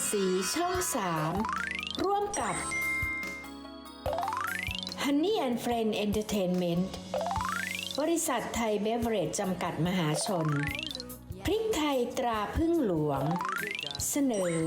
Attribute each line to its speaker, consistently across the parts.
Speaker 1: สีช่อง 3 ร่วมกับ Honey and Friend Entertainment บริษัทไทยเบเวอเรจจำกัดมหาชน พริกไทยตราพึ่งหลวง เสนอ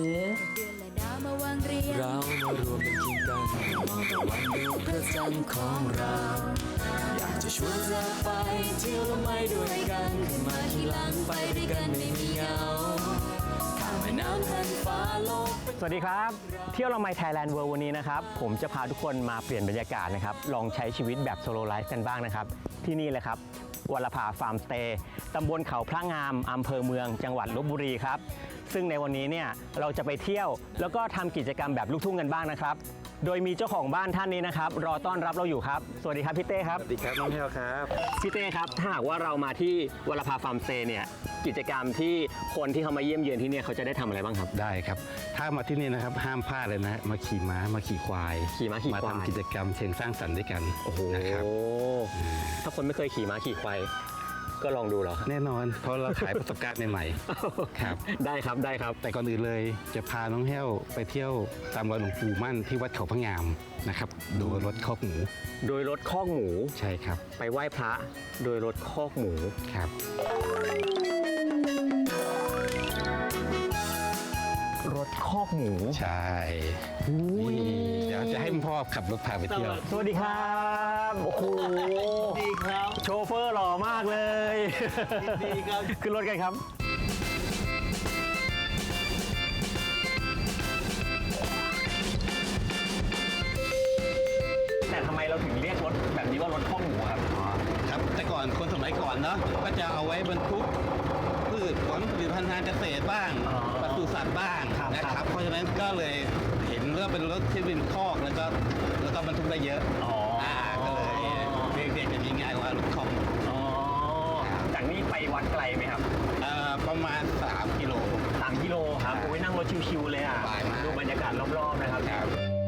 Speaker 2: เรามารวมเป็นทีมกันมองตะวันดูพระจันทร์ของเรา อยากจะชวนเธอไปเที่ยวละไม่ด้วยกันขึ้นมาขี่หลังไปด้วยกันไม่มีเหงาข้ามแม่น้ำแผ่านฟ้าโลก
Speaker 3: สวัสดีครับ เที่ยวละไมไทยแลนด์เวิลด์วันนี้นะครับผมจะพาทุกคนมาเปลี่ยนบรรยากาศนะครับลองใช้ชีวิตแบบโซโลไลฟ์กันบ้างนะครับที่นี่เลยครับวรภาฟาร์มสเตย์ตำบลเขาพระงามอำเภอเมืองจังหวัดลพบุรีครับซึ่งในวันนี้เนี่ยเราจะไปเที่ยวแล้วก็ทำกิจกรรมแบบลูกทุ่งกันบ้างนะครับโดยมีเจ้าของบ้านท่านนี้นะครับรอต้อนรับเราอยู่ครับสวัสดีครับพี่เต้ครับ
Speaker 4: สวัสดีครับน้องแพลวครับ
Speaker 3: พี่เต้ครับถ้าหากว่าเรามาที่วรภาฟาร์มสเตย์เนี่ยกิจกรรมที่คนที่เขามาเยี่ยมเยือนที่เนี่ยเขาจะได้ทำอะไรบ้างครับ
Speaker 4: ได้ครับถ้ามาที่นี่นะครับห้ามพลาดเลยนะมาขี่ม้ามาขี่ควาย
Speaker 3: ขี่ม้าขี่ควาย
Speaker 4: ทำกิจกรรมเชิงสร้างสรรค์ด้วยกัน
Speaker 3: โอ้โห
Speaker 4: นะครับ
Speaker 3: ถ้าคนไม่เคยขี่ม้าขี่ควายก็ลองดูเหรอครับ
Speaker 4: แน่นอนเพราะเราขายประสบการณ์ใหม่ๆครับ
Speaker 3: ได้ครับได้ครับ
Speaker 4: แต่ก่อนอื่นเลยจะพาน้องแห้วไปเที่ยวตามรอยหลวงปู่มั่นที่วัดเขาพระงามนะครับโดยรถคอกหมู
Speaker 3: โดยรถคอกหมู
Speaker 4: ใช่ครับ
Speaker 3: ไปไหว้พระโดยรถคอกหมู
Speaker 4: ครับ
Speaker 3: รถคอกหมู
Speaker 4: ใช่นี่เดี๋ยวจะให้พ่อขับรถพาไปเที่ยว
Speaker 3: สวัสดีครับโอ้โหดีครับโชเฟอร์หล่อมากเลยดีครับขึ้นรถกันครับแต่ทำไมเราถึงเรียกรถแบบนี้ว่ารถคอกหมูครับ
Speaker 4: ครับแต่ก่อนคนสมัยก่อนเนาะก็จะเอาไว้บรรทุกพืชผลผลิตภัณฑ์ทางเกษตรบ้าง
Speaker 3: อ๋อ
Speaker 4: ปศุสัตว์บ้าง
Speaker 3: ครับ
Speaker 4: นะครับเพราะฉะนั้นก็เลยเห็นว่าเป็นรถที่เป็นคอกแล้วก็บรรทุกได้เยอะ
Speaker 3: อ๋ออ่
Speaker 4: ก็เลยเรียกกันง่ายๆว่ารถคอก
Speaker 3: อ๋อจากนี้ไปวัดไกลไหมครับ
Speaker 4: ประมาณ3 กิโล
Speaker 3: 3 กิโลครับโอ้ยนั่งรถชิวๆเลยอ่ะ
Speaker 4: สบายมาก
Speaker 3: ดูบรรยากาศรอบๆนะครับ
Speaker 4: ครับ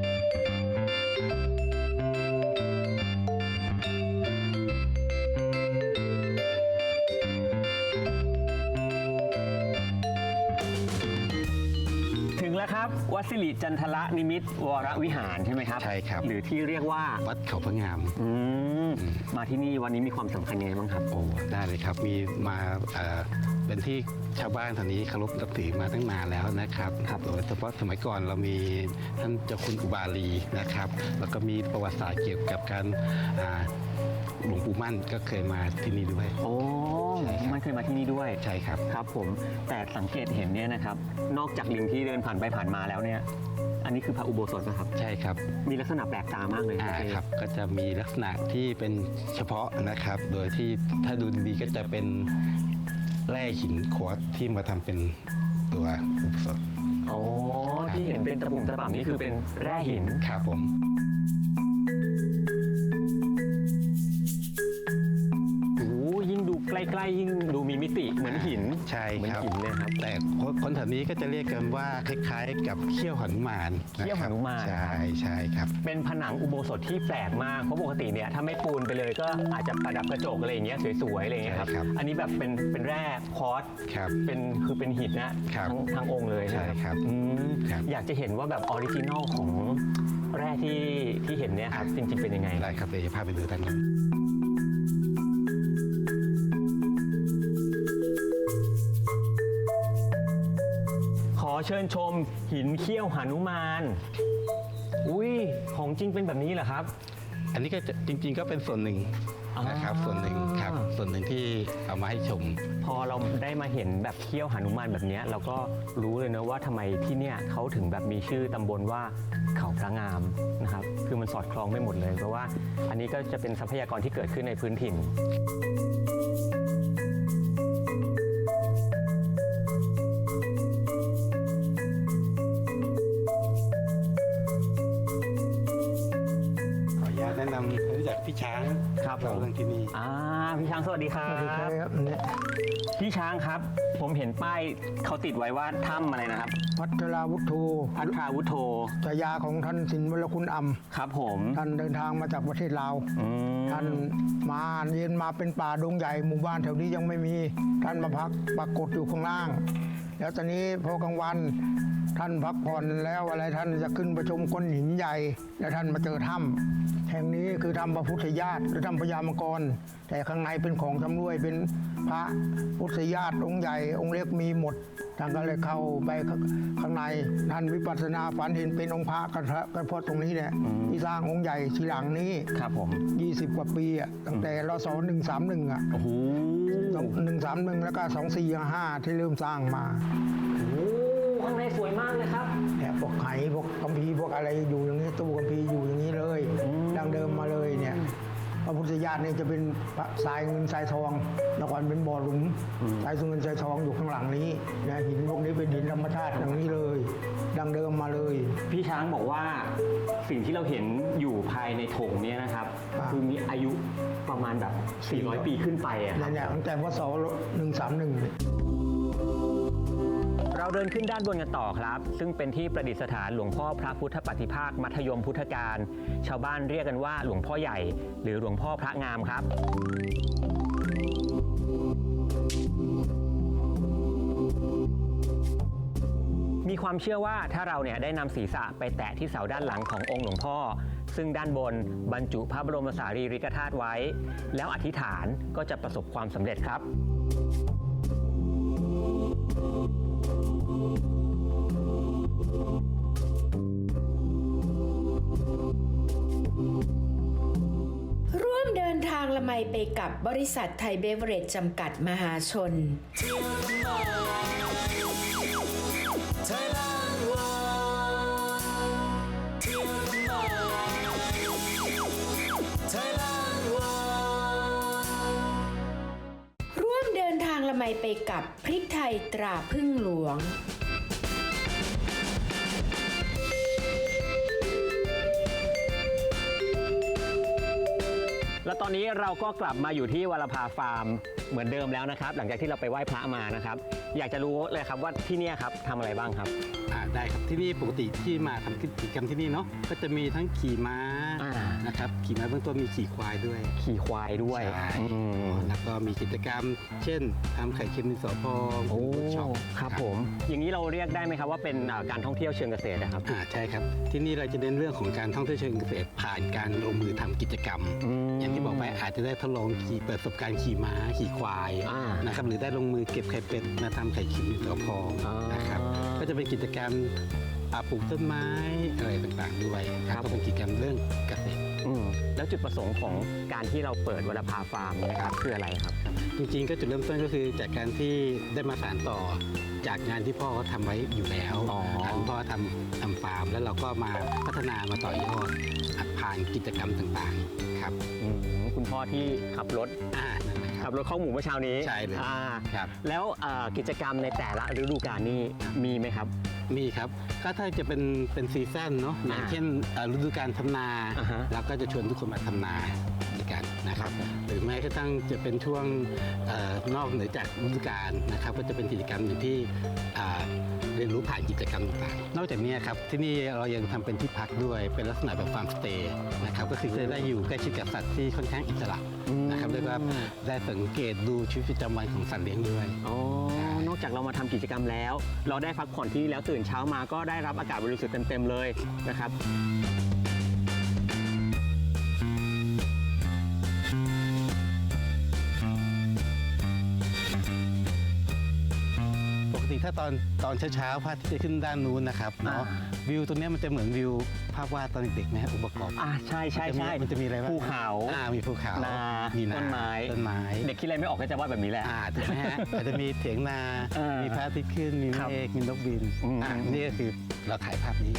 Speaker 3: ถึงแล้วครับวัดสิริจันทระนิมิตรวรวิหารใช่ไหมครับ
Speaker 4: ใช่ครับ
Speaker 3: หรือที่เรียกว่า
Speaker 4: วัดเขาพระงาม
Speaker 3: อืมมาที่นี่วันนี้มีความสำคัญยังไงบ้างครับ
Speaker 4: โอ้ได้เลยครับมีมาเป็นที่ชาวบ้านแถวนี้เคารพนับถือมาตั้งนานแล้วนะครับโดยเฉพาะสมัยก่อนเรามีท่านเจ้าคุณอุบาลีนะครับแล้วก็มีประวัติศาสตร์เกี่ยวกับการหลวงปู่มั่นก็เคยมาที่นี่ด้วย
Speaker 3: โอ้
Speaker 4: ใช่ครับ
Speaker 3: มันเคยมาที่นี่ด้วย
Speaker 4: ใช่ครับ
Speaker 3: ครับผมแต่สังเกตเห็นเนี่ยนะครับนอกจากลิงที่เดินผ่านไปผ่านมาแล้วเนี่ยอันนี้คือพระอุโบสถนะครับ
Speaker 4: ใช่ครับ
Speaker 3: มีลักษณะแปลกตามากเลย
Speaker 4: ครับก็จะมีลักษณะที่เป็นเฉพาะนะครับ โดยที่ถ้าดูดีๆก็จะเป็นแร่หินควอตซ์ที่มาทำเป็นตัวอุโบสถ
Speaker 3: โอ้ที่เห็นเป็นตะปุ่มตะป่ำนี่คือเป็นแร่หิน
Speaker 4: ครับผม
Speaker 3: โอ้ยิ่งดูใกล้ๆยิ่งดูมีมิติเหมือนหิน
Speaker 4: ใช่
Speaker 3: เหมือน
Speaker 4: ครับ
Speaker 3: หินเลยครับ
Speaker 4: แต่คนแถวนี้ก็จะเรียกกันว่าคล้ายๆ กับเขี้ยวหนุมาน
Speaker 3: เขี้ยวหนุมาน
Speaker 4: ใช่ครับ
Speaker 3: เป็นผนังอุโบสถที่แปลกมากเพราะปกติเนี่ยถ้าไม่ปูนไปเลยก็อาจจะประดับกระจกอะไรอย่างเงี้ยสวยๆอะไรอย่างเงี้ยครับ
Speaker 4: ใช่ครับ
Speaker 3: อันนี้แบบเป็นแร่คอร์ส
Speaker 4: ครับ
Speaker 3: เป็นหินนะครับ ทั้งองค์เลยนะ
Speaker 4: ใช่ครับ
Speaker 3: อืม
Speaker 4: ครับ
Speaker 3: อยากจะเห็นว่าแบบออริจินอลของแร่ที่เห็นเนี่ยครับจริงๆเป็นยังไง
Speaker 4: ได้ครับเดี๋ยวจะพาไปดูด้านนั้น
Speaker 3: ขอเชิญชมหินเขี้ยวหนุมาน อุ้ยของจริงเป็นแบบนี้เหรอครับ
Speaker 4: อันนี้ก็จะจริงๆก็เป็นส่วนหนึ่งนะครับส่วนหนึ่งครับส่วนหนึ่งที่เอามาให้ชม
Speaker 3: พอเราได้มาเห็นแบบเขี้ยวหนุมานแบบเนี้ยเราก็รู้เลยนะว่าทำไมที่เนี่ยเขาถึงแบบมีชื่อตำบลว่าเขาพระงามนะครับคือมันสอดคล้องไม่หมดเลยเพราะว่าอันนี้ก็จะเป็นทรัพยากรที่เกิดขึ้นในพื้นถิ่น
Speaker 4: ขออนุญาตแนะนำให้รู้จักพี่ช้าง
Speaker 3: ครับผม
Speaker 4: เรื่องที่นี่
Speaker 3: พี่ช้างสวัสดีครับพี่ช้างครับ ผมเห็นป้ายเขาติดไว้ว่าถ้ำอะไรนะครับ
Speaker 5: พัทราวุฒโธ
Speaker 3: พัทราวุฒโธ
Speaker 5: ฉายาของท่านสินวรคุณอัม
Speaker 3: ครับผม
Speaker 5: ท่านเดินทางมาจากประเทศลาว
Speaker 3: อืม
Speaker 5: ท่านมาเย็นมาเป็นป่าดงใหญ่หมู่บ้านแถวนี้ยังไม่มี ท่านมาพักปรากฏอยู่ข้างล่าง แล้วตอนนี้พอกลางวันท่านพักผ่อนแล้วอะไรท่านจะขึ้นประชุมก้อนหินใหญ่ แล้วท่านมาเจอถ้ำแห่งนี้คือถ้ำพระพุทธญาติหรือถ้ำพญามังกรแต่ข้างในเป็นของชำร่วยเป็นพระพุทธญาติองค์ใหญ่องค์เล็กมีหมดท่านก็เลยเข้าไปข้างในท่านวิปัสสนาฝันเห็นเป็นองค์พระกันเพราะตรงนี้เนี่ยที่สร้างองค์ใหญ่ทีหลังนี้
Speaker 3: ครับผม
Speaker 5: 20 กว่าปีอ่ะตั้งแต่รศ131อ่ะ
Speaker 3: โอ้โห
Speaker 5: 131แล้วก็2455ที่เริ่มสร้างมา
Speaker 3: ข้างในสวยมากเลยครับ
Speaker 5: เนี่ยพวกไหพวกคัมภีร์พวกอะไรอยู่อย่างนี้ตู้คัมภีร์อยู่อย่างนี้เลยดังเดิมมาเลยเนี่ยพระพุทธญาติเนี่ยจะเป็นทรายเงินทรายทองแล้วก่อนเป็นบ่อหลุมทรายเงินทรายทองอยู่ข้างหลังนี้นะหินพวกนี้เป็นหินธรรมชาติอย่างนี้เลย ดังเดิมมาเลย
Speaker 3: พี่ช้างบอกว่าสิ่งที่เราเห็นอยู่ภายในโถงเนี้นะครับ คือมีอายุประมาณแบบ 400 ปีขึ้นไปอะครับ
Speaker 5: เนี่ยตั้งแต่พศ131
Speaker 3: เราเดินขึ้นด้านบนกันต่อครับ ซึ่งเป็นที่ประดิษฐานหลวงพ่อพระพุทธปฏิภาคมัธยมพุทธการ ชาวบ้านเรียกกันว่าหลวงพ่อใหญ่ หรือหลวงพ่อพระงามครับ มีความเชื่อว่าถ้าเราเนี่ยได้นำศีรษะไปแตะที่เสาด้านหลังขององค์หลวงพ่อ ซึ่งด้านบนบรรจุพระบรมสารีริกธาตุไว้ แล้วอธิษฐานก็จะประสบความสำเร็จครับ
Speaker 1: ร่วมเดินทางละไมไปกับบริษัทไทยเบเวอเรจจำกัดมหาชน ร่วมเดินทางละไมไปกับพริกไทยตราพึ่งหลวง
Speaker 3: แล้วตอนนี้เราก็กลับมาอยู่ที่วรภาฟาร์มเหมือนเดิมแล้วนะครับ หลังจากที่เราไปไหว้พระมานะครับ อยากจะรู้เลยครับว่าที่เนี่ยครับทำอะไรบ้างครับ
Speaker 4: ได้ครับที่นี่ปกติที่มาทำกิจกรรมที่นี่เนาะก็จะมีทั้งขี่ม้า
Speaker 3: อ่า
Speaker 4: นะครับขี่ม้าเบื้องต้นมีขี่ควายด้วย
Speaker 3: ขี่ควายด้วย
Speaker 4: ใช่
Speaker 3: อืม
Speaker 4: แล้วก็มีกิจกรรม เช่นทำไข่เค็มดินสอพอง
Speaker 3: โอ้
Speaker 4: เวิร์กช็อป
Speaker 3: ครับผม อย่างนี้เราเรียกได้ไหมครับว่าเป็นการท่องเที่ยวเชิงเกษตรนะครับ
Speaker 4: ใช่ครับที่นี่เราจะเน้นเรื่องของการท่องเที่ยวเชิงเกษตรผ่านการลงมือทำกิจกรรม อย่างที่บอกไปอาจจะได้ทดลองเปิดประสบการณ์ขี่ม้าขี่ควาย
Speaker 3: อ่า
Speaker 4: นะครับหรือได้ลงมือเก็บไข่เป็ดมาทำไข่เค็มดินสอพอง
Speaker 3: อ่าน
Speaker 4: นะครับก็จะเป็นกิจกรรมปลูกต้นไม้อะไรต่างๆด้วยก็เป็นกิจกรรมเรื่องเกษตร
Speaker 3: แล้วจุดประสงค์ของการที่เราเปิดวรภาฟาร์มเนี่ยครับคืออะไรครับ
Speaker 4: จริงๆก็จุดเริ่มต้นก็คือจากการที่ได้มาสานต่อจากงานที่พ่อเขาทำไว้อยู่แล้ว
Speaker 3: อ๋อ
Speaker 4: คุณพ่อทำฟาร์มแล้วเราก็มาพัฒนามาต่อยอดผ่านกิจกรรมต่างๆครับ
Speaker 3: คุณพ่อที่ขับรถ
Speaker 4: นั่นแหละค
Speaker 3: ขั
Speaker 4: รั
Speaker 3: บบ รถเข้าหมู่เมื่อเช้านี้
Speaker 4: ใช่เลย ครับ
Speaker 3: แล้วกิจกรรมในแต่ละฤดูกาลนี่มีไหมครับ
Speaker 4: มีครับก็ถ้าจะเป็นซีซั่นเนาะอย่างเช่นฤดูการทำนา
Speaker 3: อ่าฮะ
Speaker 4: เราก็จะชวนทุกคนมาทำนาด้วยกันนะครับหรือแม้กระทั่งจะเป็นช่วงนอกเหนือจากฤดูกาลนะครับก็จะเป็นกิจกรรมอย่างที่เรียนรู้ผ่านกิจกรรมต่างๆนอกจากนี้ครับที่นี่เรายังทำเป็นที่พักด้วยเป็นลักษณะแบบฟาร์มสเตย์นะครับก็คือจะได้อยู่ใกล้ชิดกับสัตว์ที่ค่อนข้างอิสระนะครับแล้วก็ได้สังเกตดูชีวิตประจำวันของสัตว์เลี้ยงด้วย
Speaker 3: อ๋อนอกจากเรามาทำกิจกรรมแล้ว เราได้พักผ่อนที่นี่แล้วตื่นเช้ามาก็ได้รับอากาศบริสุทธิ์เต็มๆเลยนะครับ
Speaker 4: ปกติถ้าตอนเช้าๆพระอาทิตย์จะขึ้นด้านนู้นนะครับเนาะวิวตรงเนี้ยมันจะเหมือนวิวภาพวาดตอนเด็กๆไหมฮะองค์ประกอบ
Speaker 3: ใช่ใช่ใช่
Speaker 4: มันจะมีอะไรบ้าง
Speaker 3: ภูเขา
Speaker 4: มีภูเขา
Speaker 3: นา
Speaker 4: มี
Speaker 3: ต้นไม้ เด็กคิดอะไรไม่ออกก็จะวาดแบบนี้แหละ
Speaker 4: ถูกไหมฮะอาจจะมีเถียงนา มีพระอาทิตย์ขึ้นมี
Speaker 3: ครับ
Speaker 4: เมฆมีนกบิน นี่ก็คือเราถ่ายภาพนี้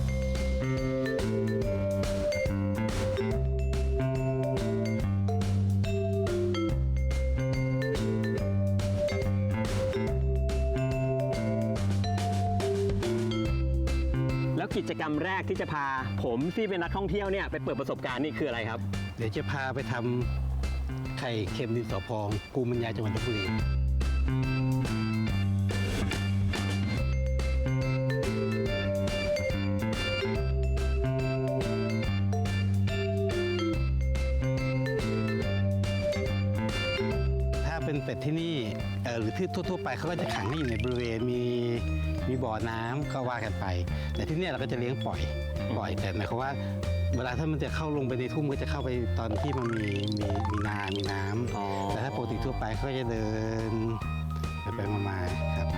Speaker 3: แล้วกิจกรรมแรกที่จะพาผมที่เป็นนักท่องเที่ยวเนี่ยไปเปิดประสบการณ์นี่คืออะไรครับ
Speaker 4: เดี๋ยวจะพาไปทำไข่เค็มดินสอพองภูมิปัญญาจังหวัดลพบุรี ถ้าเป็นเป็ดที่นี่หรือที่ทั่วๆไปเขาก็จะขังให้อยู่ในบริเวณมีบ่อน้ำก็ว่ากันไป แต่ที่เนี่ยเราก็จะเลี้ยงปล่อยแต่หมายความว่าเวลาถ้ามันจะเข้าลงไปในทุ่งก็จะเข้าไปตอนที่มันมีน้ำแต่ถ้าปกติทั่วไปเขาก็จะเดินไปมาๆครับ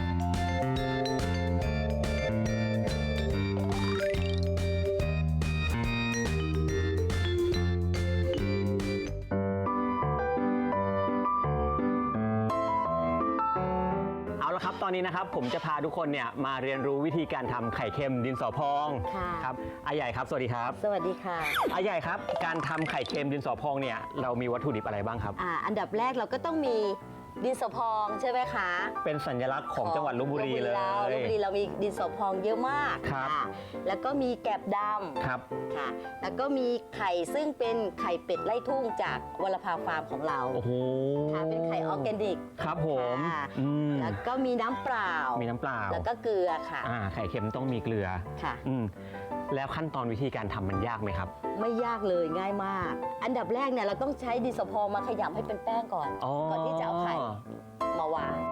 Speaker 3: เอาละครับตอนนี้นะครับผมจะพาทุกคนเนี่ยมาเรียนรู้วิธีการทำไข่เค็มดินสอพอง
Speaker 6: ค่ะ
Speaker 3: ครับอาใหญ่ครับสวัสดีครับ
Speaker 6: สวัสดีค่ะ
Speaker 3: อาใหญ่ครับการทำไข่เค็มดินสอพองเนี่ยเรามีวัตถุดิบอะไรบ้างครับ
Speaker 6: อันดับแรกเราก็ต้องมีดินสอพองใช่ไหมคะ
Speaker 3: เป็นสัญลักษณ์ของจังหวัดลพบุรีเลย
Speaker 6: ลพบุรีเรามีดินสอพองเยอะมาก
Speaker 3: ครับ
Speaker 6: ค่ะแล้วก็มีแกบด
Speaker 3: ครับ
Speaker 6: ำค่ะ แล้วก็มีไข่ซึ่งเป็นไข่เป็ดไล่ทุ่งจากวรภาฟาร์มของเรา
Speaker 3: โอ้โห
Speaker 6: ค่ะเป็นไข่ออร์แกนิก
Speaker 3: ครับผม
Speaker 6: ค่ะ
Speaker 3: อืม
Speaker 6: แล้วก็มีน้ำเปล่า
Speaker 3: มีน้ำเปล่า
Speaker 6: แล้วก็เกลือค่ะ
Speaker 3: ไข่เค็มต้องมีเกลือ
Speaker 6: ค่ะ
Speaker 3: อืมแล้วขั้นตอนวิธีการทำมันยากไหมครับ
Speaker 6: ไม่ยากเลยง่ายมาก อันดับแรกเนี่ยเราต้องใช้ดินสอพองมาขยำให้เป็นแป้งก่อน ก่อนที่จะเอาไข่มาวาง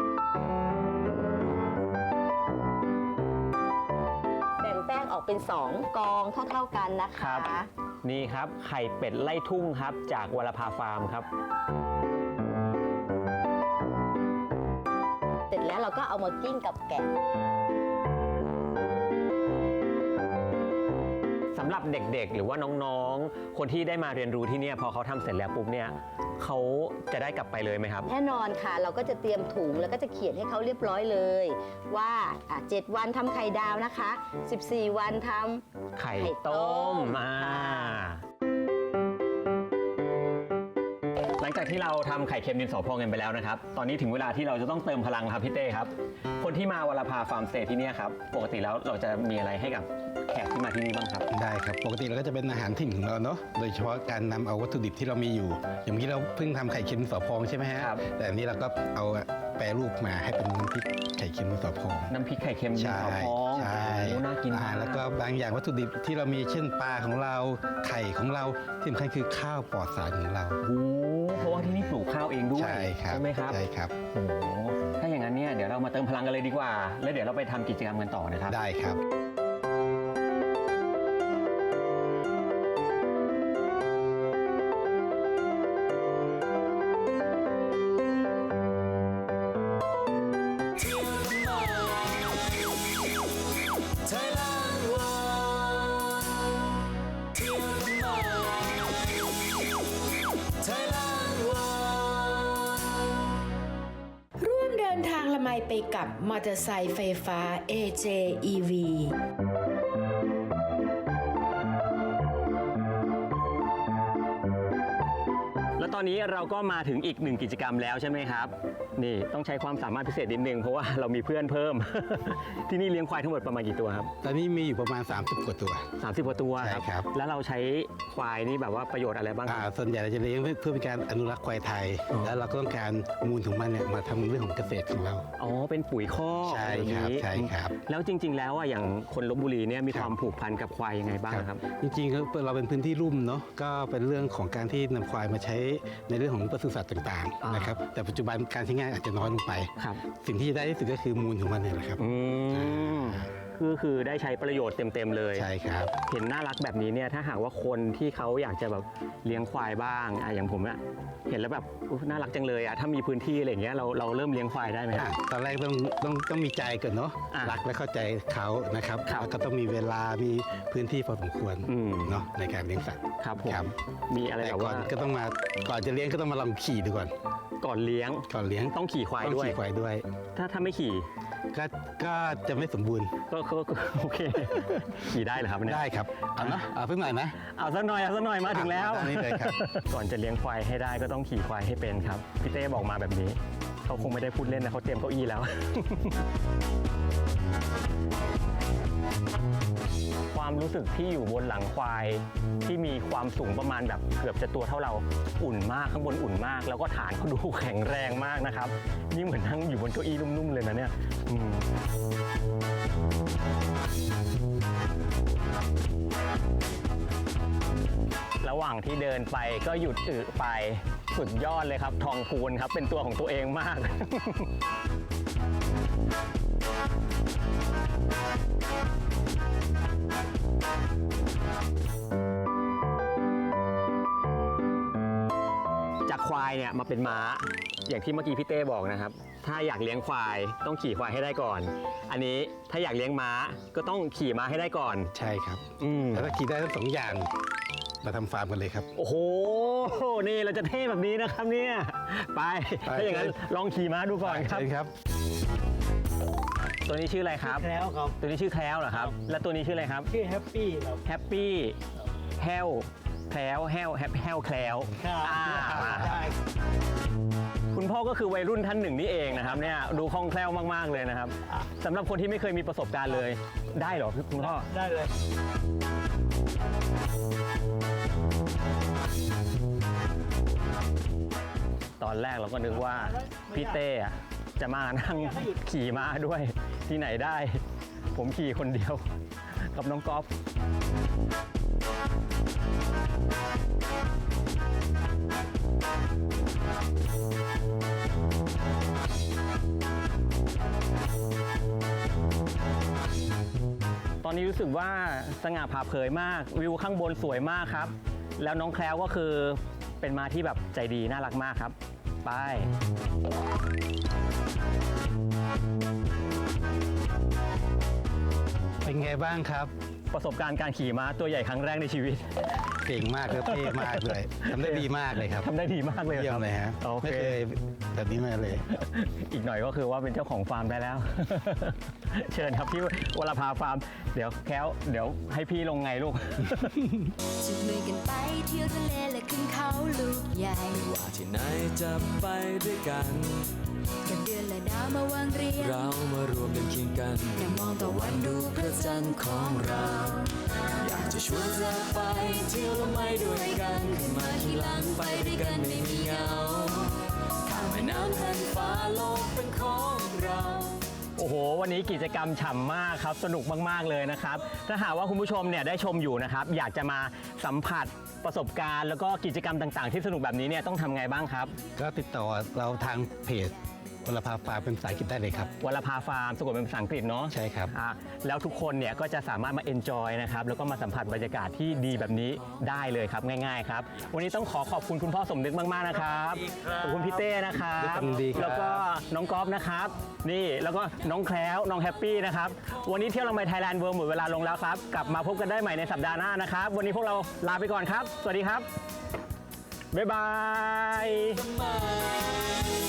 Speaker 6: แบ่งแป้งออกเป็น 2 กองเท่าๆกันนะ
Speaker 3: ครั
Speaker 6: คะ
Speaker 3: บ นี่ครับไข่เป็ดไล่ทุ่งครับจากวรภาฟาร์มครับ
Speaker 6: เสร็จแล้วเราก็เอามากิ้งกับแกะ
Speaker 3: สำหรับเด็กๆ หรือว่าน้องๆ คนที่ได้มาเรียนรู้ที่เนี่ยพอเขาทำเสร็จแล้วปุ๊บเนี่ยเขาจะได้กลับไปเลยไหมครับ
Speaker 6: แน่นอนค่ะ เราก็จะเตรียมถุงแล้วก็จะเขียนให้เขาเรียบร้อยเลย ว่า7 วันทำไข่ดาวนะคะ 14 วันทำ
Speaker 3: ไข่ต้มหลังจากที่เราทำไข่เค็มดินสอพองกันไปแล้วนะครับ ตอนนี้ถึงเวลาที่เราจะต้องเติมพลังครับพี่เต้ครับ คนที่มาวรภาฟาร์มสเตย์ที่เนี่ยครับ ปกติแล้วเราจะมีอะไรให้กับแขกที่มาที่นี่บ้างครับ
Speaker 4: ได้ครับปกติเราก็จะเป็นอาหารถิ่นของเราเนาะโดยเฉพาะการนำเอาวัตถุดิบที่เรามีอยู่ อย่างเมื่อกี้เราเพิ่งทำไข่เค็มดินสอพองใช่ไหมฮะ
Speaker 3: ครับ
Speaker 4: แต่อันนี้เราก็เอาแปรรูปมาให้เป็นน้ำพริกไข่เค็มดินสอพอง
Speaker 3: น้ำพริกไข่เค็มดิน
Speaker 4: ใช่
Speaker 3: สอพอง
Speaker 4: ใช่
Speaker 3: โอ้น่ากินมาก
Speaker 4: แล้วก็บางอย่างวัตถุดิบที่เรามีเช่นปลาของเราไข่ของเราที่สำคัญคือข้าวปลอดสารของเรา
Speaker 3: โอ้เพราะว่าที่นี่ปลูกข้าวเองด้วย
Speaker 4: ใช่ครับ
Speaker 3: ไหมครับ
Speaker 4: ใช่ครับ
Speaker 3: โอ้ถ้าอย่างนั้นเนี่ยเดี๋ยวเรามาเติมพลังกันเลยดีกว่า แล้วเดี๋ยวเราไปทำกิจกรรมกันต่อนะครับ
Speaker 4: ได้ครับ
Speaker 2: Thailand World เที่ยวกันหน่อย Thailand World
Speaker 1: ร่วมเดินทางละไมไปกับมอเตอร์ไซค์ไฟฟ้า AJEV
Speaker 3: แล้วตอนนี้เราก็มาถึงอีกหนึ่งกิจกรรมแล้วใช่ไหมครับ นี่ต้องใช้ความสามารถพิเศษนิดนึงเพราะว่าเรามีเพื่อนเพิ่ม ที่นี่เลี้ยงควายทั้งหมดประมาณกี่ตัวครับ
Speaker 4: ตอนนี้มีอยู่ประมาณ30กว่าตัว
Speaker 3: 30กว่าตัว
Speaker 4: ใช่ครับ
Speaker 3: แล้วเราใช้ควายนี่แบบว่าประโยชน์อะไรบ้างครับ
Speaker 4: ส่วนใหญ่เราจะเลี้ยงเพื่อเป็นการอนุรักษ์ควายไทย
Speaker 3: อ๋อ
Speaker 4: แล้วเราก็ต้องการมูลของมันเนี่ยมาทำเรื่องของเกษตรของเรา
Speaker 3: อ๋อเป็นปุ๋ยคอก
Speaker 4: ใช่
Speaker 3: แบบ
Speaker 4: ครับ
Speaker 3: นี้
Speaker 4: ใช่ครับ
Speaker 3: แล้วจริง ๆ แล้วอ่ะอย่างคนลพบุรีเนี่ยมี
Speaker 4: ครับ
Speaker 3: ความผูกพันกับควายยังไงบ้างครับ
Speaker 4: จริงๆเราเป็นพื้นที่ลุ่มเนาะก็เป็นเรื่องของการที่นำควายมาใช้ในเรื่องของปศุสัตว์ต่าง
Speaker 3: อ่า
Speaker 4: ๆ
Speaker 3: น
Speaker 4: นะครับแต่ปัจจุบันการใช้งานอาจจะน้อยลงไป
Speaker 3: ครับ
Speaker 4: สิ่งที่จะได้ที่สุดก็คือมูลของมันเนี่ยแหละครับ
Speaker 3: อืมคือได้ใช้ประโยชน์เต็มๆเลย
Speaker 4: ใช่ครับ
Speaker 3: เห็นน่ารักแบบนี้เนี่ยถ้าหากว่าคนที่เขาอยากจะแบบเลี้ยงควายบ้างอย่างผมอะเห็นแล้วแบบน่ารักจังเลยอะถ้ามีพื้นที่อะไรอย่างเงี้ยเราเริ่มเลี้ยงควายได้ไหมครับ
Speaker 4: ตอนแรกต้องมีใจก่อนเนาะ
Speaker 3: อ่ะ
Speaker 4: รักและเข้าใจเขานะครับ
Speaker 3: ครับ
Speaker 4: แล้วก็ต้องมีเวลามีพื้นที่พอสมควร
Speaker 3: อืม
Speaker 4: เนาะในการเลี้ยงสัตว์
Speaker 3: ครับผม
Speaker 4: ครับ
Speaker 3: มีอะไร
Speaker 4: แต่
Speaker 3: แบบ
Speaker 4: ก่อ
Speaker 3: ว่าน
Speaker 4: ก็ต้องมาก่อนจะเลี้ยงก็ต้องมาลองขี่ดูก่อน
Speaker 3: ก่อนเลี้ยง
Speaker 4: ก่อนเลี้ยง
Speaker 3: ต้องขี่ควาย
Speaker 4: ต้อง
Speaker 3: ด้วย
Speaker 4: ขี่ควายด้วย
Speaker 3: ถ้าไม่ขี่
Speaker 4: ก็จะไม่สมบูรณ์
Speaker 3: ก็โอเค ขี่ได้เหรอครับเนี่ย
Speaker 4: ได้ครับเอานะเอาเพิ่งหน่อยนะ
Speaker 3: เอาสักหน่อยมาถึงแล้ว
Speaker 4: อันนี้เลยครับ
Speaker 3: ก่อนจะเลี้ยงควายให้ได้ก็ต้องขี่ควายให้เป็นครับพี่เต้บอกมาแบบนี้เขาคงไม่ได้พูดเล่นนะเขาเตรียมเก้าอี้แล้ว ความรู้สึกที่อยู่บนหลังควายที่มีความสูงประมาณแบบเกือบจะตัวเท่าเราอุ่นมากข้างบนอุ่นมาก แล้วก็ฐานเขาดูแข็งแรงมากนะครับยิ่งเหมือนนั่งอยู่บนเก้าอี้นุ่มๆเลยนะเนี่ยระหว่างที่เดินไปก็หยุดอึไปสุดยอดเลยครับทองพูนครับเป็นตัวของตัวเองมาก จากควายเนี่ยมาเป็นม้าอย่างที่เมื่อกี้พี่เต้บอกนะครับถ้าอยากเลี้ยงควายต้องขี่ควายให้ได้ก่อน อันนี้ถ้าอยากเลี้ยงม้าก็ต้องขี่ม้าให้ได้ก่อน
Speaker 4: ใช่ครับ
Speaker 3: อืม
Speaker 4: แล้วถ้าขี่ได้ทั้งสองอย่างมาทำฟาร์มกันเลยครับ
Speaker 3: โอ้โหนี่เราจะเท่แบบนี้นะครับเนี่ยไปถ้าอย่างนั้นลองขี่ม้าดูก่อนครับ
Speaker 4: เชิญครับ
Speaker 3: ตัวนี้ชื่ออะไรครับ
Speaker 7: แคล้วครับ
Speaker 3: ตัวนี้ชื่อแคล้วเหรอครับ และตัวนี้ชื่ออะไรครับ
Speaker 7: ชื่อแฮปปี้ครับ
Speaker 3: แฮปปี้แฮวแคล้วแฮวแฮวแคล้ว
Speaker 7: ครับ
Speaker 3: อ่า
Speaker 7: ได้
Speaker 3: คุณพ่อก็คือวัยรุ่นท่านหนึ่งนี่เองนะครับเนี่ยดูคล่องแคล่วมากๆเลยนะครับสำหรับคนที่ไม่เคยมีประสบการณ์เลยได้เหรอคุณพ่อ
Speaker 7: ได้เลย
Speaker 3: ตอนแรกเราก็นึกว่าพี่เต้อะจะมานั่งขี่ม้าด้วยที่ไหนได้ ผมขี่คนเดียวกับน้องก๊อฟตอนนี้รู้สึกว่าสง่าผ่าเผยมากวิวข้างบนสวยมากครับ แล้วน้องแคล้วก็คือเป็นม้าที่แบบใจดีน่ารักมากครับไป
Speaker 4: เป็นไงบ้างครับ
Speaker 3: ประสบการณ์การขี่ม้าตัวใหญ่ครั้งแรกในชีวิต
Speaker 4: เก่งมากครับเท่มากเลยทำได้ดีมากเลยครับ
Speaker 3: ทำได้ดีมากเลย
Speaker 4: เยี่ย
Speaker 3: ค
Speaker 4: ม
Speaker 3: รับ
Speaker 4: เลยฮะ
Speaker 3: โอ
Speaker 4: ไม่
Speaker 3: เค
Speaker 4: เคยแบบนี้มาเลย
Speaker 3: อีกหน่อยก็คือว่าเป็นเจ้าของฟาร์มได้แล้ว เชิญครับพี่วรภาฟาร์มเดี๋ยวแค้วเดี๋ยวให้พี่ลงไงลูก
Speaker 8: จับมือกันไปเที่ยวทะเลและขึ้นเขาลูกใหญ่
Speaker 2: ว่าที่ไหนจะไปด้วยกัน
Speaker 8: กับเดือนและดาวมาวางเรียง
Speaker 2: เรามารวมกันเคียงกัน
Speaker 8: นั่งมองตะวันดูพระจันทร์ของเรา
Speaker 2: อยากจะชวนเธอไปเที่ยวและไม่ด้วยกันขึ้นมาที่หลังไปด้วยกันไม่มีเหงาข้ามแม่น้ำแผ่านฟ้าโลกเป็นของเรา
Speaker 3: โอ้โห วันนี้กิจกรรมฉ่ำมากครับ สนุกมากๆเลยนะครับ ถ้าหากว่าคุณผู้ชมเนี่ยได้ชมอยู่นะครับ อยากจะมาสัมผัสประสบการณ์ แล้วก็กิจกรรมต่างๆ ที่สนุกแบบนี้เนี่ยต้องทำไงบ้างครับ
Speaker 4: ก็ติดต่อเราทางเพจวรภาฟาร์มเป็นภาษาอังกฤษได้เลยครับ
Speaker 3: วรภาฟาร์มสะกดเป็นภาษาอังกฤษเนาะ
Speaker 4: ใช่ครับ
Speaker 3: แล้วทุกคนเนี่ยก็จะสามารถมาเอนจอยนะครับแล้วก็มาสัมผัสบรรยากาศที่ดีแบบนี้ได้เลยครับง่ายๆครับวันนี้ต้องขอบคุณคุณพ่อสมนึกมากๆนะครับขอบคุณพี่เต้นะครับ
Speaker 4: ด้วยความยินดีครับ
Speaker 3: แล้วก็น้องก๊อฟนะครับนี่แล้วก็น้องแคล้วน้องแฮปปี้นะครับวันนี้เที่ยวละไมไทยแลนด์เวิร์หมดเวลาลงแล้วครับกลับมาพบกันได้ใหม่ในสัปดาห์หน้านะครับวันนี้พวกเราลาไปก่อนครับ สวัสดีครับบ๊ายบาย
Speaker 2: มา